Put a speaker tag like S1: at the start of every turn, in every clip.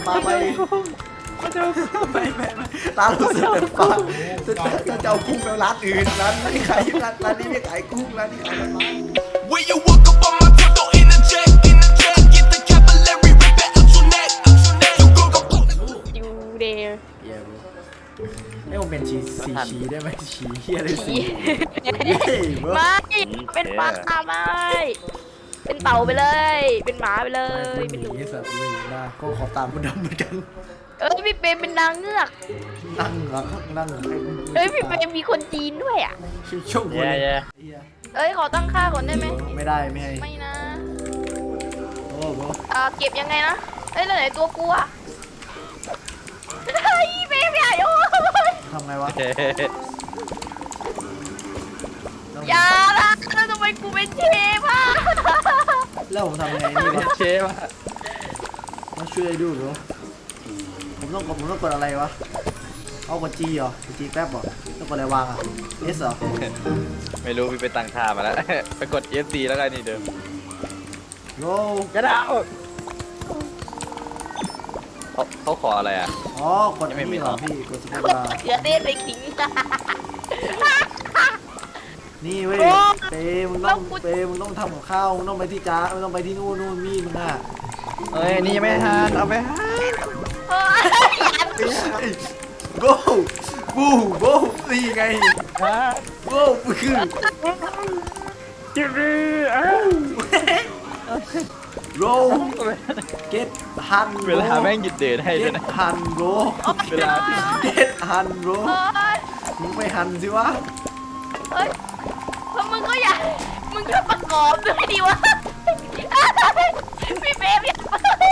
S1: มาไปไม่ร้านรู้สึกเป็นฟ้าจะเอากุ้งไปร้านอื่นร้านนี้ขายร้านนี้ไม่ขายกุ้งร้านนี้ขายมัน
S2: When you walk up on my top, don't interject, get the capillary, rip it out your neck, you go go.
S3: อยู่เดย์
S1: เย้บให้ผมเป็นสีชีได้ไหมชีเฮียอะไรสี
S3: ไม่เป็นปลาไม่เป็นเต่าไปเลย เป็นหมาไปเลย
S1: เป็
S3: เป็น น
S1: ห
S3: หนู
S1: นีสัตว์เลยนะก็ขอตามมันดำเหมือนกัน
S3: พี่เปรมเป็นนางเงือก
S1: นั่งนั่ง
S3: พี่เปรมมีคนจีนด้วยอ่ะ
S1: ช่วงคน
S3: ขอตั้งค่าก่อนได้ไหม
S1: ไม่ได้ไม่ให้
S3: ไม่นะ
S1: โอ้โห
S3: เก็บยังไงนะแล้วไหนตัวกูอ่ะพี่เปรมใหญ่โอ้ย
S1: ทำไงวะ
S3: อย่าละแล้วทำไมกูเป็นเชฟอ่ะ
S1: แล้วผมทำไงนี่วะ
S4: เชฟอะ
S1: มาช่วยดูหรือผมต้องกดอะไรวะเอากดจีเหรอจีแป๊บเหรอต้องกดอะไรวางอ่ะ S เหรอ
S4: ไม่รู้พี่ไปตั้งท่ามาแล้ว ไปกด FC แล้วกันนี่เดิม
S1: โล
S4: กระดาวเขาขออะไรอ่ะ
S1: อ๋อกดนี่เหรอพี่กดสเปซบาร์
S3: เขือเทศไปขิง
S1: นี่เว้ยมึงต้องทำกับข้าวมึงต้องไปที่จ้ามึงต้องไปที่นู่นมีดมึงอ่ะ
S4: เอ้ยนี่ยังไม่ทานเอาไปให้
S1: โกโบนี่ไง
S4: ฮะ
S1: โบคือ
S4: จิบบี้อ้าว
S1: โรเก็ตฮัน
S4: เวลาแม่งหยุดเดินให้
S1: เก็
S4: ด้วย
S1: ต
S4: นะ
S1: ฮันโร
S4: เวลา
S1: เก็ตฮันโรมึงไปหันสิวะ
S3: เฮ้ยแล้วมึงก็อยากมึงก็ประกอบด้วยดิวะพี่เบฟอยาก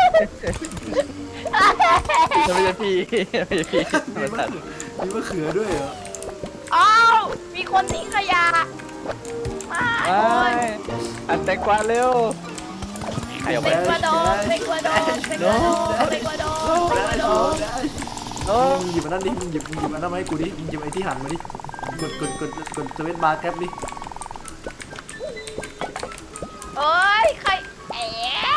S4: ไม่ใช่พี่ไม่ใช่พี่
S1: มีมะเขือด้วยเหรอ
S3: อ้าวมีคนทิ้งขยะมา
S4: ไปอันแตงกวาเร็วใครเอาไป
S3: เปกวาโดเปกวาโดเปกวาโดเปกวาโดเปกวาโด
S1: มึงหยิบอันนั้นดิมึงหยิบอันนั้นมาให้กูดิมึงหยิบไอ้ที่หันมาดิกดสวิตช์บาร์แก๊ปดิ
S3: เอ้ยใครแอะ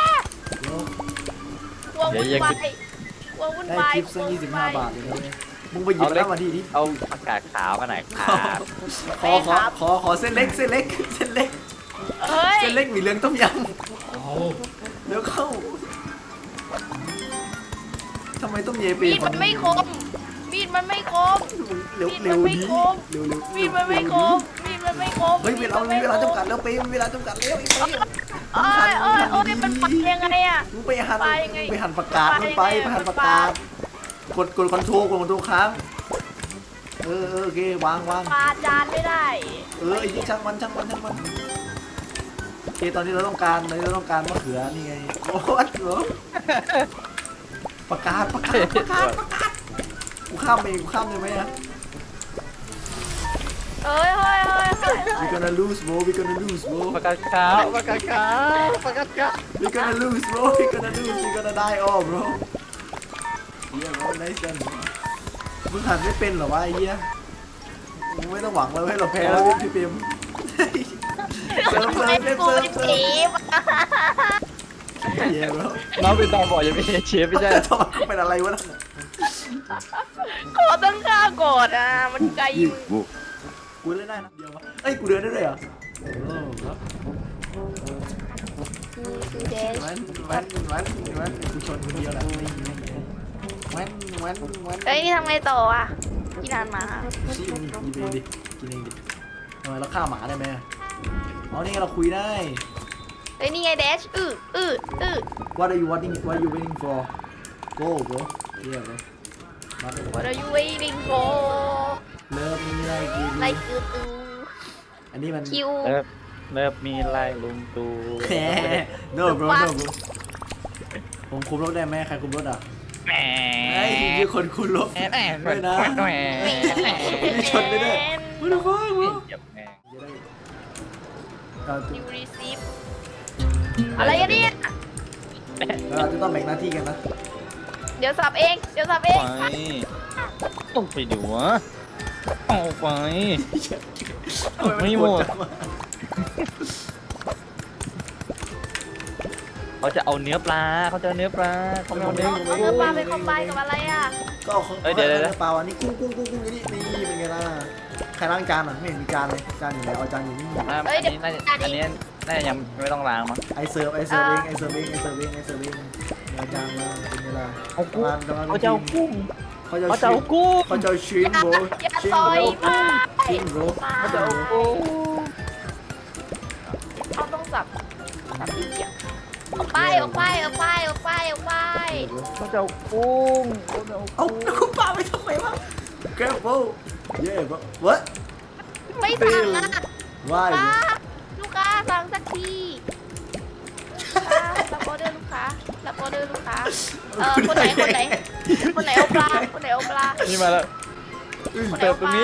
S3: กลัววุ่นวายกลัววุ่น
S1: ได้
S3: วาย
S1: ทิปสัก25 บาทเลยนะเนี่ยมึงไปหยิบอันนั้นมาดิ
S4: เอาอากาศขาวมาหน่อยครับ
S1: ขอเส้นเล็กเส้นเล็ก
S3: เฮ้ย
S1: เส้นเล็กหมี่เหลืองต้มยำเดี๋ยวเข้าทำไมต้องเยเป
S3: มีดมันไม่คมมีดมันไม่คม
S1: เร็วดิเร็ว
S3: มีดมันไม่คมมีดมันไม่คม
S1: เฮ้ยเวลาจำกัดแล้วเปย์เวลาจำกัดแล้วไอ้เปย์
S3: โอ้ยมันปัดยังไงอ่ะ
S1: มึงไปหันประกาศมึงไปหันประกาศกดคอนโทรลค้างโอเควาง
S3: ปาจานไม่ได้
S1: ไอ้นี่ช่างมันโอเคตอนนี้เราต้องการมะเขือนี่ไงโอ้โหประกาศกูข้ามได้ไหมอะ
S3: เฮ้ย
S1: we gonna lose bro we gonna lose bro
S4: ประกาศขาวประกาศขาว
S1: we gonna lose bro we gonna die all bro เฮีย bro nice done มึงหันไม่เป็นเหรอวะไอ้เหี้ยมึงไม่ต้องหวังเลยให้เราแพ้แล้วพี่เปียมเซิร์ฟ
S3: กูเป็นเชฟ
S1: เฮีย bro
S4: น้องเป็นตาบอดยังไม่ใช่เชฟไม่ใช่
S1: ทอดเขาเป็นอะไรวะนั่น
S3: ขอตั้งค่าก่อนอ่ะมันไกลอยู่
S1: กูเล่นได้นะเดียววะเอ้ยกูเดินได้เลยเหรอโอ้ครับมันกูชนคนเดียวแหละไม่แว้น
S3: เฮ้ยนี่ทำไงต่ออ่ะกี่นานมา
S1: ชี้มึงกินเองดิทำไมเราฆ่าหมาได้ไหมอ๋อนี่เราคุยได้
S3: เฮ้ยนี่ไงเดช
S1: What are you waiting for Go bro Yeah bro
S3: What are you waiting for
S1: เริ่มมีอะไรกิน
S3: ไลค์คือตู
S1: อันนี้มัน
S3: คิว
S4: เลิฟมีไล่ลุงตู
S1: แหม No bro ผมคุมรถได้ไหมใครคุมรถอ่ะ
S4: แหม
S1: ไอ้ยี่คนคุมรถไม่นะมีชนได้ด้วยไม่ได้ฟังวะ
S4: เหยียบแม่
S3: ยูรีซีฟอะไรกันเนี่ย
S1: เราจะต้องแบ่งหน้าที่กันนะ
S3: เดี๋ยวสับเอง
S4: ไปต้องไปดูวะเอาไป ไม่หมดเขาจะเอาเนื้อปลาเขาจะเอาเนื้อปลาเขาไม่เอาเนื้อ
S3: เอาเนื้อปลาไปคอมไบกับอะไรอ่ะ
S1: ก็เอาของ
S4: เดี๋ยว
S1: เปล่าอันนี้กุ้งนี่เป็นไงล่ะใครล้างจานอ่ะไม่เห็นมีจานเลยจานอยู่ไหนเอาจานอยู่นี่
S4: อันนี้น่าจะยังไม่ต้องล้างมั้ง
S1: ไอเสิร์ฟเองเดี๋ยวจานมาเป็นไงล่ะ
S4: เอากุ้ง
S1: กำลัง
S4: เขาจะเอากุ้ง
S1: เขาจะ
S4: เขาจะเอากุ้ง
S1: เขาจะเอาชิมโบ
S3: อย่า
S1: ชิม
S3: ซอย
S1: โบ
S3: มา
S1: ชิมโบ
S4: เขาจะเอากุ้ง
S3: เขาต้องสับที่เกียงออกไป
S4: เขาจะเอากุ้งเขาจะเอา
S1: เอา
S4: กุ้ง
S1: คุณป้าไปทำไมวะ careful yeah but what
S3: ไม่สั่งอ่ะ
S1: why
S3: ป้าลูกค้าสั่งสักทีรับออเดอร์ลูกค้าคนไหนเอาปลา
S4: นี่มาแล้วเติมตรงนี้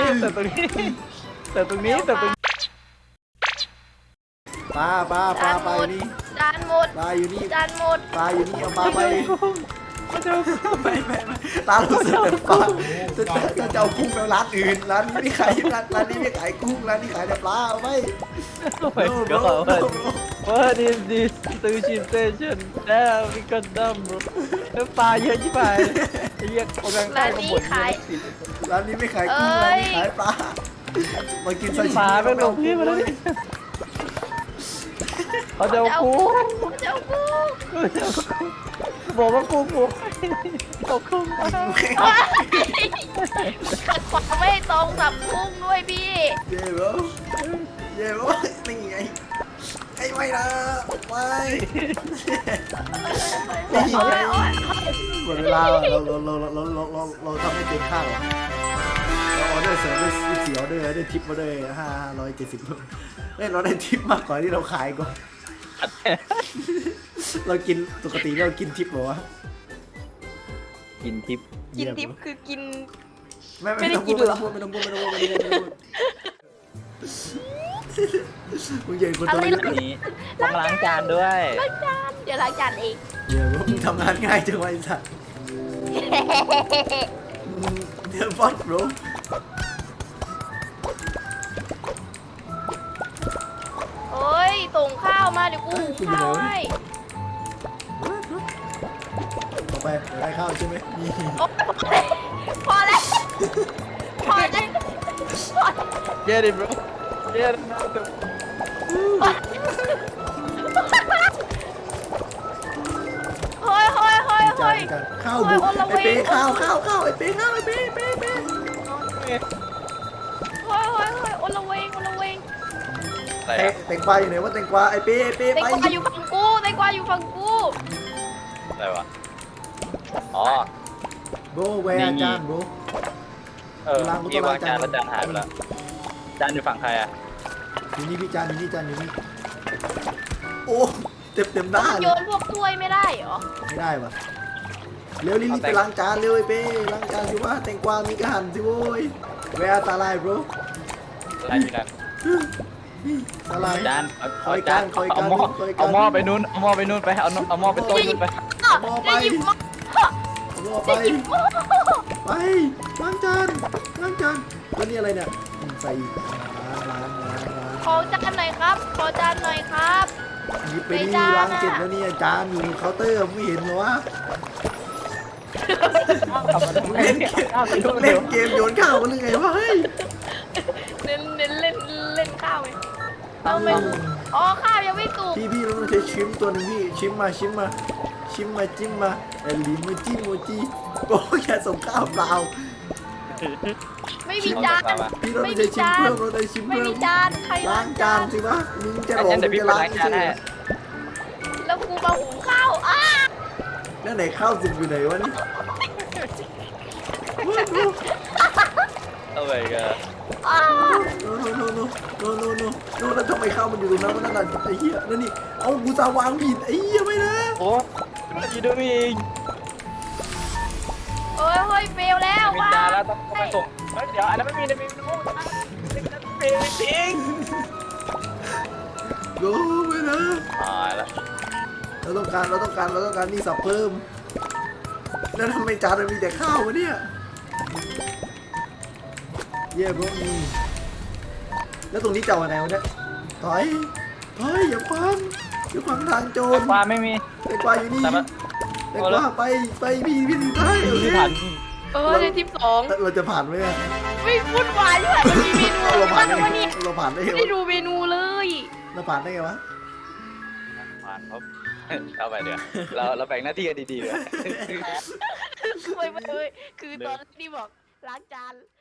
S1: ปลาอยู่นี่
S3: จานหมด
S1: ปลาอยู่นี่
S3: จานหมด
S1: ปลาอยู่นี่เอาปลาไป
S4: เขาจะเอากุ้ง
S1: ไม่ตาเราเสือกแต่ปลาจะเอากุ้งไปร้านอื่นร้านนี้ไม่ขายร้านนี้ไม่ขายกุ้งร้านนี้ขายแต่ปลาเอาไป
S4: โอ้ my god what is this sushi station damn we got dumb bro เนื้อปลาเยอะชิบหายไอ้เหี้ยเอาแบงค์ใต้มาบ่น
S1: ร้านนี้ไม่ขายกุ้งร้านนี้ขายปลามากินซาชิ
S4: ปลา
S1: มิ
S4: เป็นหลงพี่มาแล้วเขาจะเอากุ้ง บอกว่ากุ้งกูเอากุ้งมา
S3: ขัดขวางไม่ตรงกับกุ้งด้วยพี่
S1: เย่บนี่ไงไอ้ไม่นะไม่หมดเวลาเราทำให้เต็มข้าวเราออเดอร์เสริมด้วย14ออเดอร์ได้ทิปมาด้วย570เราได้ทิปมากกว่าที่เราขายก่อนเรากินปกติเรากินทิปเหรอวะ
S4: กินทิพย์
S3: กินทิพย์คือกิน
S1: ไม่ต้องพูดไม่ต้องพูดมึงใหญ่คนตัวเล็ก
S4: นี้ต้องล้างจานด้วย
S3: ล้างจานเดี๋ยวล้างจานเอง
S1: เดี๋ยวมึงทำงานง่ายจังวะไอ้สัสเดี๋ยวบอสโบร
S3: โอ้ยส่งข้าวมาเดี๋ยวกูหุงข้าวให้
S1: ต่อไปเดี๋ยวได้ข้าวใช่ไหมนี่
S3: พอแล้ว
S4: Get it bro Get it
S3: เฮ้ย
S1: ข้าวบุกไอ้เป้ข้าวไอ้เป้ข้าวไอ้เป้
S3: เฮ้ยโอละเวง
S4: อะไร
S1: แตงกวาอยู่ไหนวะแตงกวาไอ้เป้
S3: แตง
S1: ไป
S3: กวาอยู่ฝั่งกู
S4: อะไรวะอ๋อ
S1: โบแวร์จานโบ
S4: พี่วางจานแล้วจานหายไปแล้วจานอยู่ฝั่งใครอ่ะ
S1: อยู่นี่พี่จานอยู่นี่โอ้เต็มหน้า
S3: โย
S1: เลย
S3: นพวกถ้วยไม่ได้เหรอ
S1: ไม่ได้วะเร็วรีบไปล้างจานเร็วไอ้เป้ล้างจานสิวะแตงกวามีกระหันสิโว้ยแวร์ตาลายโบร
S4: อะไรอยู่นั่น
S1: ตาลาย
S4: จาน
S1: คอยกัน
S4: เอาหม้อไปนู้นเอาหม้อไปนู้นไปเอาหม้อไปโต๊ะนู้นไป
S3: จะหยิบหม้อ
S1: รอไปล้างจานแล้วนี่อะไรเนี่ยใส่ล้าง
S3: ขอจานหน่อยครับ
S1: หยิบไปนี่ล้างเสร็จแล้วเนี่ยจานอยู่เคาน์เตอร์ไม่เห็นเหรอวะเล่นเกมโยนข้าวกันหรือไงวะเฮ้ย
S3: เล่นข้าวไหมเอาไหมอ๋อข้าวยังไม่สุก
S1: พี่เราต้องใช้ชิมตัวนึงพี่ชิมมาจิ้มมาไอ้ลิมจิ้มโมจิโอ้ยแค่ส่งข้าวเปล่า
S3: ไม่มีจาน
S1: พี่เราต้องใช้ชิมเพิ่มเราได้ชิม
S3: ไม่
S1: เพิ่ม
S3: มีจานใคร
S1: ล้างจานสิวะมึงจะหลง
S4: งั้นเดี๋ยวพี่
S1: จะ
S4: ไป
S1: ล้าง
S4: ล้างจานให้
S3: แล้วกูมาหุงข้าวอ้า
S1: แล้วไหนข้าวสุกอยู่ไหนวะนี่
S4: เอาไปกัน
S3: อ้า
S1: โนแล้วทำไมข้าวมันอยู่ตรงนั้นวะนั่นน่ะไอ้เหี้ยนั่นนี่เอากูจะวางผิดไอ้เหี้ยไม่นะ
S4: โอ้มันอยู่ด้วยเอง
S3: เฮ้ยเฟลแล้ว
S4: มี
S3: ว่ะ
S4: จานแล้วต้องไปส่งเดี๋ยวอันนั้นไม่มีนะมีน้ำเปรี้ยวจริง
S1: โกไม่นะ
S4: ตายแล้ว
S1: เราต้องการนี่สับเพิ่มแล้วทำไมจานมันมีแต่ข้าววะเนี่ยเย่พวกนี้แล้วตรงนี้จะเอาไงวะเนี่ยถอยอย่าฟังจะขวางทางโจร
S4: ปลาไม่มี
S1: แตงกวาอยู่นี่
S4: แต่ว่า
S1: แตงกวาไปพี่สุดท้ายโอเค
S4: ที่ผ่าน
S3: ในทีมสอง
S1: เราจะผ่านไหมอะ
S3: ไม่วุ่นวายด้วยมันมีเมนู
S1: เราผ่า
S3: บ้าน ง
S1: ได้
S3: วะ
S1: ไง
S3: เนี่ย
S1: เราผ่านได้ไง
S3: ไม่ได้
S1: วะ
S3: ดูเมนูเลย
S1: เราผ่านได้ไงวะ
S4: ผ่านครับเอาไปเดี๋ยวเราแบ่งหน้าที่กันดีๆเลย
S3: ไม่คือตอนที่บอกล้างจาน